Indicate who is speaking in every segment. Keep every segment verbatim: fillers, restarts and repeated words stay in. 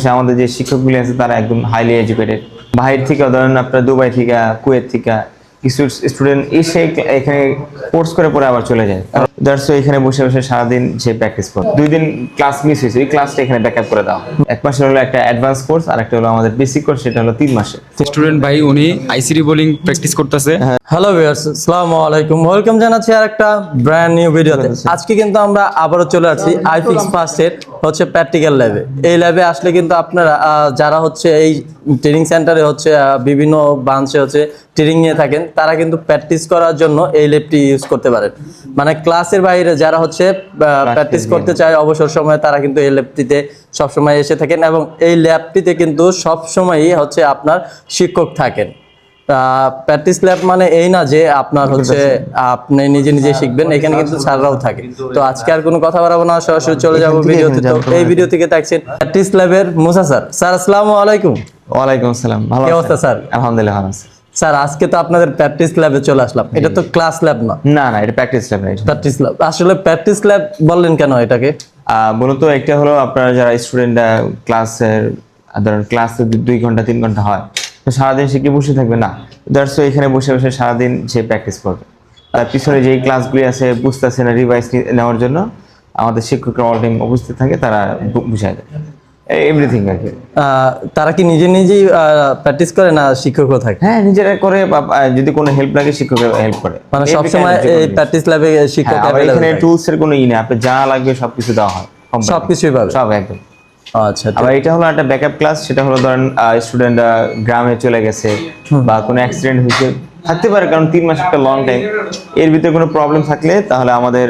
Speaker 1: পাশাপাশি আমাদের যে শিক্ষকগুলি আছে তারা একদম হাইলি এডুকেটেড। বাহির থেকে ধরেন আপনার দুবাই থেকে, কুয়েত থেকে কিছু স্টুডেন্ট এসে এখানে কোর্স করে পরে আবার চলে যায়। দ্যাটস ওয়াই এখানে বসে বসে সারাদিন সে প্র্যাকটিস করে। দুই দিন ক্লাস মিস হয়েছে, ওই ক্লাসটা এখানে ব্যাকআপ করে দেওয়া। এক মাসের হলো একটা অ্যাডভান্স কোর্স, আর একটা হলো আমাদের বেসিক কোর্স, সেটা হলো তিন মাসে।
Speaker 2: স্টুডেন্ট ভাই উনি আইসিডি বোলিং প্র্যাকটিস করতেছে।
Speaker 3: হ্যালো ভিউয়ার্স, আসসালামু আলাইকুম, ওয়েলকাম জানাচ্ছি আর একটা ব্র্যান্ড নিউ ভিডিওতে। আজকে কিন্তু আমরা আবারও চলে আসছি আইফিক্স ফার্স্টের হচ্ছে প্র্যাকটিক্যাল ল্যাবে। এই ল্যাবে আসলে কিন্তু আপনারা যারা হচ্ছে এই ট্রেনিং সেন্টারে হচ্ছে বিভিন্ন ব্রাঞ্চে হচ্ছে ট্রেনিং নিয়ে থাকেন, তারা কিন্তু প্র্যাকটিস করার জন্য এই ল্যাবটি ইউজ করতে পারেন। মানে ক্লাসের বাইরে যারা হচ্ছে প্র্যাকটিস করতে চায় অবসর সময়ে, তারা কিন্তু এই ল্যাবটিতে সবসময় এসে থাকেন, এবং এই ল্যাবটিতে কিন্তু সবসময়ই হচ্ছে আপনার শিক্ষক থাকেন। প্র্যাকটিস ল্যাব মানে এই না যে আপনার হচ্ছে আপনি নিজে নিজে শিখবেন, এখানে কিন্তু স্যাররাও থাকে। তো আজকে আর কোনো কথা বাড়াবো না, সরাসরি চলে যাবো ভিডিওতে। তো এই ভিডিও থেকে দেখছেন প্র্যাকটিস ল্যাবের মুসা স্যার। স্যার আসসালামু আলাইকুম।
Speaker 1: ওয়ালাইকুম আসসালাম। ভালো
Speaker 3: কি অবস্থা স্যার?
Speaker 1: আলহামদুলিল্লাহ ভালো আছি
Speaker 3: স্যার। আজকে তো আপনাদের প্র্যাকটিস ল্যাবে চলে আসলাম। এটা তো ক্লাস ল্যাব না।
Speaker 1: না না এটা প্র্যাকটিস ল্যাব।
Speaker 3: Practice lab. আসলে প্র্যাকটিস ল্যাব বললেন কেন এটাকে?
Speaker 1: মূলত একটা হলো আপনারা যারা স্টুডেন্টরা ক্লাসের ধরেন ক্লাস দুই ঘন্টা তিন ঘন্টা হয়, তো সারাদিন সে কি বসে থাকবে না। দ্যাটস ওয়াই এখানে বসে বসে সারাদিন সে প্র্যাকটিস করবে। তার পিছনে যেই ক্লাসগুলি আছে বুঝতেছে না, রিভাইজ নেওয়ার জন্য আমাদের শিক্ষকরা অল টাইম উপস্থিত থাকে, তারা বুঝায় দেয় এভরিথিং আর কি।
Speaker 3: তারা কি নিজে নিজেই প্র্যাকটিস করে না শিক্ষকও থাকে?
Speaker 1: হ্যাঁ নিজেরা করে, বা যদি কোনো হেল্প লাগে শিক্ষকরা হেল্প করে।
Speaker 3: মানে সবসময় এই প্র্যাকটিস ল্যাবে শিক্ষক
Speaker 1: অ্যাভেলেবল। এখানে টুলস এর কোনো ই নেই, আপনি যা লাগবে সবকিছু দেওয়া হয়,
Speaker 3: সবকিছুই পাবে
Speaker 1: সব একদম।
Speaker 3: আচ্ছা।
Speaker 1: আবার এটা হলো একটা ব্যাকআপ ক্লাস, সেটা হলো ধরেন স্টুডেন্ট গ্রামে চলে গেছে বা কোনো অ্যাক্সিডেন্ট হয়েছে, থাকতে পারে, কারণ তিন মাস একটা লং টাইম। এর ভিতরে কোনো প্রবলেম থাকলে তাহলে আমাদের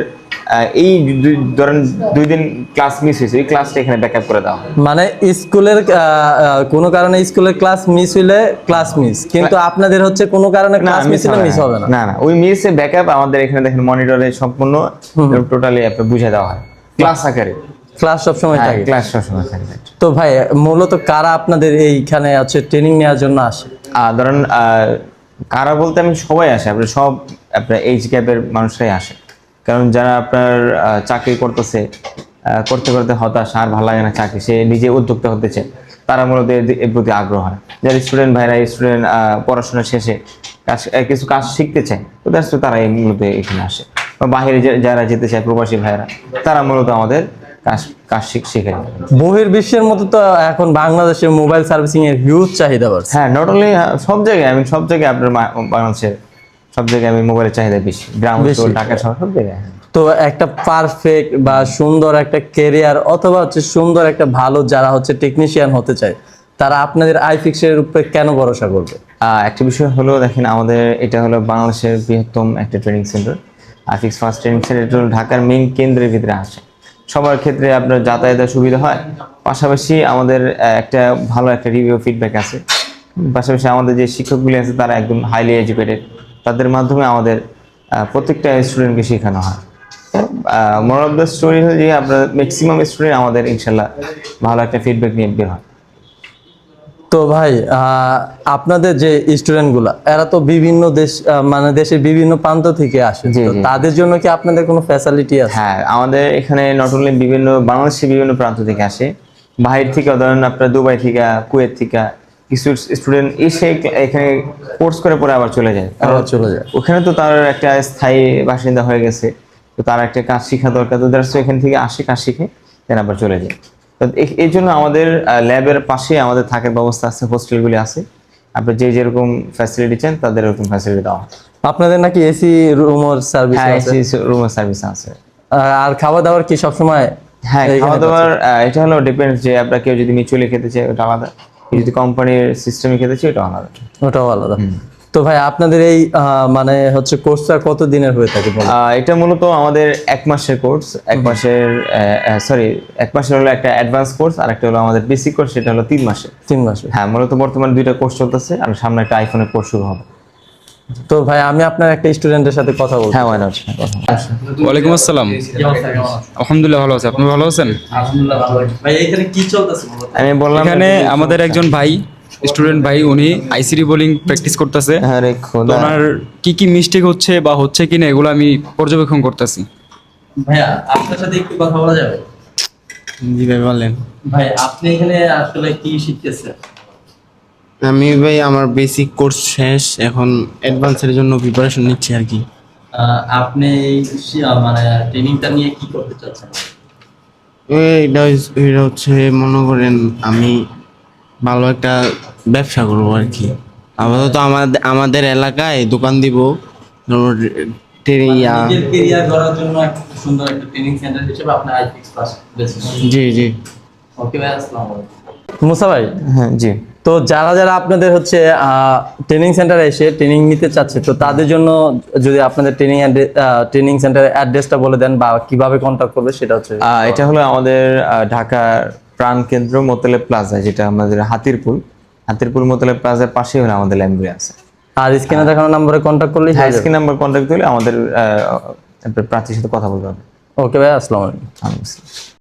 Speaker 1: এই ধরেন দুই দিন ক্লাস মিস হয়েছে, এই ক্লাসটা এখানে ব্যাকআপ করে দেওয়া।
Speaker 3: মানে স্কুলের কোনো কারণে স্কুলের ক্লাস মিস হইলে ক্লাস মিস, কিন্তু আপনাদের হচ্ছে কোনো কারণে ক্লাস মিস হলে মিস হবে না।
Speaker 1: না না ওই মিসে ব্যাকআপ আমাদের এখানে দেখেন মনিটরে সম্পূর্ণ টোটালি আপনি বুঝে দেওয়া হয় ক্লাস আকারে।
Speaker 3: ক্লাস সবসময় থাকে।
Speaker 1: ক্লাস সবসময় থাকে।
Speaker 3: তো ভাই মূলত কারা আপনাদের এইখানে আছে ট্রেনিং নেওয়ার জন্য আসে?
Speaker 1: ধরেন কারা বলতে আমি সবাই আসে, আপনার সব আপনার এইজ গ্যাপের মানুষরাই আসে। কারণ যারা আপনার চাকরি করতেছে, করতে করতে হতাশ, আর ভালো লাগে না চাকরি, সে নিজে উদ্যোক্তা হতে চায়, তারা মূলত এর প্রতি আগ্রহ হয়। যারা স্টুডেন্ট ভাইরা স্টুডেন্ট পড়াশোনা শেষে কাজ কিছু কাজ শিখতে চায়, তো দ্যাটস তারা মূলত এখানে আসে। বা বাইরে যারা যেতে চায় প্রবাসী ভাইরা, তারা মূলত আমাদের কাজ কাজ শিখে।
Speaker 3: বহির্বিশ্বের মতো তো এখন বাংলাদেশে মোবাইল সার্ভিসিং এর হিউজ চাহিদা বাড়ছে।
Speaker 1: হ্যাঁ নট অনলি সব জায়গায়, আমি সব জায়গায় আপনার বাংলাদেশের সব জায়গায় আমি মোবাইলের চাহিদা বেশি, গ্রাম অঞ্চল, ঢাকা শহর, সব জায়গায়।
Speaker 3: তো একটা পারফেক্ট বা সুন্দর একটা ক্যারিয়ার অথবা হচ্ছে সুন্দর একটা ভালো যারা হচ্ছে টেকনিশিয়ান হতে চায়, তারা আপনাদের আইফিক্সের উপরে কেন ভরসা করবে?
Speaker 1: একটা বিষয় হলো দেখেন, আমাদের এটা হলো বাংলাদেশের বৃহত্তম একটা training centre. IFix first training centre হলো ঢাকার মেইন কেন্দ্রের ভিতরে আসে। সবার ক্ষেত্রে আপনার যাতায়াতের সুবিধা হয়, পাশাপাশি আমাদের একটা ভালো একটা রিভিউ ফিডব্যাক আছে। পাশাপাশি আমাদের যে শিক্ষকগুলি আছে তারা একদম হাইলি এডুকেটেড, তাদের মাধ্যমে আমাদের প্রত্যেকটা স্টুডেন্টকে শেখানো হয়। মোরাল অফ দ্য স্টোরি হলো যে আপনার ম্যাক্সিমাম স্টুডেন্ট আমাদের ইনশাল্লাহ ভালো একটা ফিডব্যাক নিয়ে বের হয়।
Speaker 3: তো ভাই আপনাদের যে স্টুডেন্টগুলা, এরা তো বিভিন্ন দেশ মানে দেশের বিভিন্ন প্রান্ত থেকে আসে, তো তাদের জন্য কি আপনাদের কোনো ফ্যাসিলিটি আছে?
Speaker 1: হ্যাঁ আমাদের এখানে নট অনলি বিভিন্ন বাংলাদেশের বিভিন্ন প্রান্ত থেকে আসে, বাহির থেকে ধরেন আপনার দুবাই থেকে, কুয়েত থেকে কিছু স্টুডেন্ট এসে এখানে কোর্স করে পরে আবার চলে যায়।
Speaker 3: আবার চলে যায়
Speaker 1: ওখানে তো তার একটা স্থায়ী বাসিন্দা হয়ে গেছে, তো তার একটা কাজ শেখা দরকার, তো দ্যাটস এখান থেকে আসে, কাজ শিখে দেন আবার চলে যায়। তো এই জন্য আমাদের ল্যাবের পাশে আমাদের থাকার ব্যবস্থা আছে, হোস্টেলগুলি আছে। আপনি যে যেরকম ফ্যাসিলিটি চান তাদের এরকম ফ্যাসিলিটি দেওয়া।
Speaker 3: আপনাদের নাকি এসি রুমের সার্ভিস আছে?
Speaker 1: হ্যাঁ এসি রুমের সার্ভিস আছে।
Speaker 3: আর খাওয়া দাওয়ার কি সবসময়?
Speaker 1: হ্যাঁ খাওয়া দাওয়ার এটা হলো ডিপেন্ডস, যে আপনার কেউ যদি মিউচুয়ালি খেতে চায় ওটা আলাদা, যদি কোম্পানির সিস্টেমে খেতে চায় ওটা আলাদা।
Speaker 3: ওটাও আলাদা। তো ভাই আপনাদের এই মানে হচ্ছে কোর্সটা কত দিনের হয়ে থাকে?
Speaker 1: এটা মূলত আমাদের এক মাসের কোর্স, এক মাসের সরি এক মাসের হলো একটা অ্যাডভান্স কোর্স, আর একটা হলো আমাদের বেসিক কোর্স, সেটা হলো তিন মাসে।
Speaker 3: তিন মাসে
Speaker 1: হ্যাঁ মূলত বর্তমানে দুইটা কোর্স চলতেছে, আর সামনে একটা আইফোনের কোর্স শুরু হবে।
Speaker 3: তো ভাই আমি আপনার একটা স্টুডেন্টের সাথে কথা বলবো।
Speaker 1: হ্যাঁ ওয়াই
Speaker 2: ওয়ালাইকুম আসসালাম। আলহামদুলিল্লাহ ভালো আছি, আপনি ভালো আছেন?
Speaker 3: আলহামদুলিল্লাহ ভালো আছি। ভাই এখানে কি চলতেছে?
Speaker 1: আমি বললাম
Speaker 2: এখানে আমাদের একজন ভাই স্টুডেন্ট ভাই উনি আইসিডি বোলিং প্র্যাকটিস করতেছে।
Speaker 1: আরে খোদা,
Speaker 2: ওনার কি কি মিস্টেক হচ্ছে বা হচ্ছে কিনা এগুলো আমি পর্যবেক্ষণ করতেছি।
Speaker 3: ভাইয়া আপনার সাথে একটু কথা বলা যাবে?
Speaker 4: জি ভাই বলেন।
Speaker 3: ভাই আপনি এখানে আসলে কি শিখতেছেন?
Speaker 4: আমি ভাই আমার বেসিক কোর্স শেষ, এখন অ্যাডভান্সের জন্য প্রিপারেশন নিচ্ছি আর কি।
Speaker 3: আহ, আপনি এই শি- আহ, মানে ট্রেনিংটা নিয়ে কি করতে চাচ্ছেন?
Speaker 4: এটা হইস- এটা হচ্ছে মনে করেন আমি ভালো একটা ব্যবসা করবো আর কি। আপাতত আমাদের আমাদের এলাকায় দোকান দিব। ইয়া
Speaker 3: নিজের কেরিয়ার গড়ার জন্য একটা সুন্দর একটা ট্রেনিং সেন্টার হিসেবে আপনি আইফিক্স পাস বেছে নিয়েছেন।
Speaker 4: জি জি
Speaker 3: ওকে ভাই, আসসালামু আলাইকুম। মুসা ভাই,
Speaker 1: হ্যাঁ জি।
Speaker 3: তো যারা যারা আপনাদের হচ্ছে ট্রেনিং সেন্টারে এসে ট্রেনিং নিতে চাচ্ছে, তো তাদের জন্য যদি আপনাদের ট্রেনিং ট্রেনিং সেন্টারের অ্যাড্রেসটা বলে দেন বা কিভাবে কন্ট্যাক্ট করবে সেটা হচ্ছে।
Speaker 1: আহ, এটা হলো আমাদের আহ, ঢাকার প্রাণ কেন্দ্র মোতলে প্লাজা, যেটা আমাদের হাতিরপুল হাতিরপুল মোতলে প্লাজার পাশেই হলো আমাদের লাইব্রেরি আছে।
Speaker 3: আর স্ক্রিনে দেখানো নম্বরে কন্ট্যাক্ট করলেই
Speaker 1: হ্যাঁ, স্ক্রিন নাম্বার কন্ট্যাক্ট করলে আমাদের আহ, প্রার্থীর সাথে কথা বলতে হবে।
Speaker 3: ওকে ভাই, আসসালামু আলাইকুম।
Speaker 1: আচ্ছা।